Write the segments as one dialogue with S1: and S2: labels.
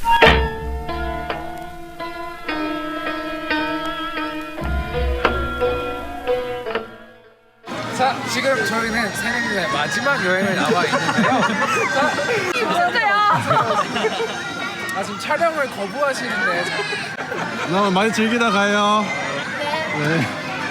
S1: 자, 지금 저희는 새내기의 마지막 여행을 나와 있는데요. 자,
S2: 진짜요?
S1: 지금 촬영을 거부하시는데.
S3: 나 많이 즐기다 가요. 네.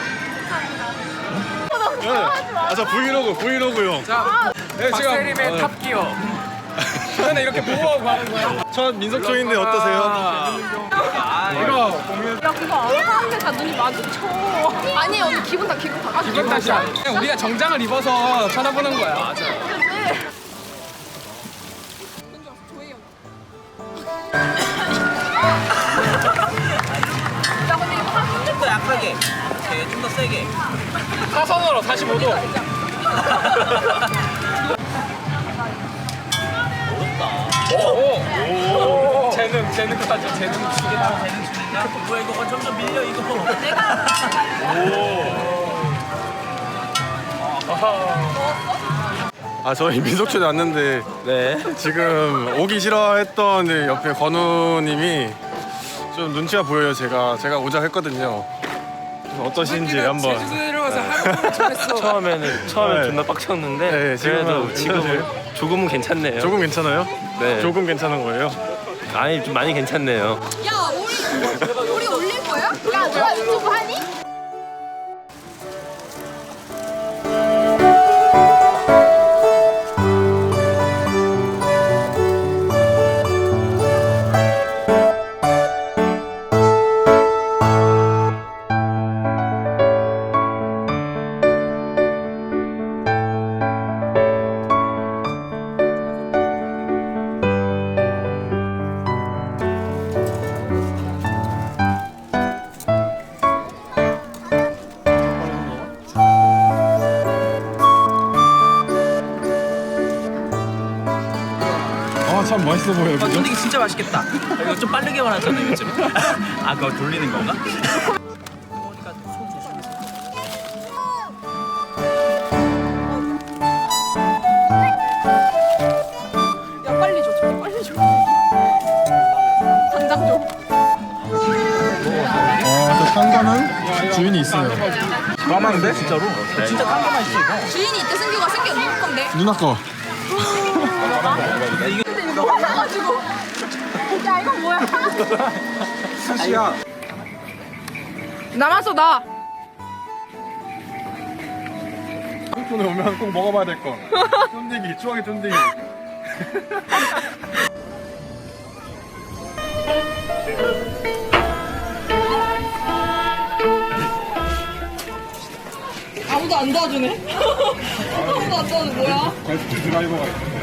S3: 저 브이로그요.
S1: 자, 박세림의 탑기어. 저는 이렇게 보호하고 가는 거야.
S3: 첫 민속촌인데 어떠세요?
S1: 이거
S2: 야 그거 안 하는데 다 눈이 마주쳐. 아니 언니 기분 다.
S1: 기분 탓이야. 그냥 우리가 정장을 입어서 쳐다보는 거야. 맞아.
S4: 좀 더 약하게, 좀 더 세게.
S1: 사선으로 45도. 오. 재능 가져. 재능 주겠다.
S4: 재능 주는가? 뭐야 이거 점점 밀려 이거.
S3: 저희 민속촌에 왔는데 지금 오기 싫어했던 이제 옆에 건우님이 좀 눈치가 보여요. 제가 오자 했거든요. 어떠신지 한번.
S1: 제주도 내려와서 하루 종일
S5: 처음에는
S3: 네.
S5: 존나 빡쳤는데
S3: 네,
S5: 그래도
S3: 지금은
S5: 지금은 조금은 괜찮네요.
S3: 조금 괜찮아요?
S5: 네.
S3: 조금 괜찮은 거예요?
S5: 아니 좀 많이 괜찮네요.
S2: 야 우리 올릴 거야? 야 누가 유튜브 하니?
S3: 참 맛있어 보여요. 그죠?
S4: 쫀디기 진짜 맛있겠다. 이거 좀 빠르게만 하잖아요 요즘. 아 그거 돌리는 건가?
S2: 야 빨리 줘 저기 빨리 줘. 당장 줘.
S3: 저 상관은 주인이 있어요. 까만데? 진짜로?
S4: 진짜 깜깜한 맛있어 이거.
S2: 주인이 이때 승규가 생겨 누구 건데?
S3: 누나 거.
S2: 근데 이거 화나가지고. 야 이건 뭐야?
S3: 스시야.
S2: 남았어 나.
S3: 한국에 오면 꼭 먹어봐야 될 거. 쫀디기, 추억의 쫀디기.
S2: 아무도 안 도와주네. 아무도 안 도와줘 뭐야?
S3: 드라이버가 있어.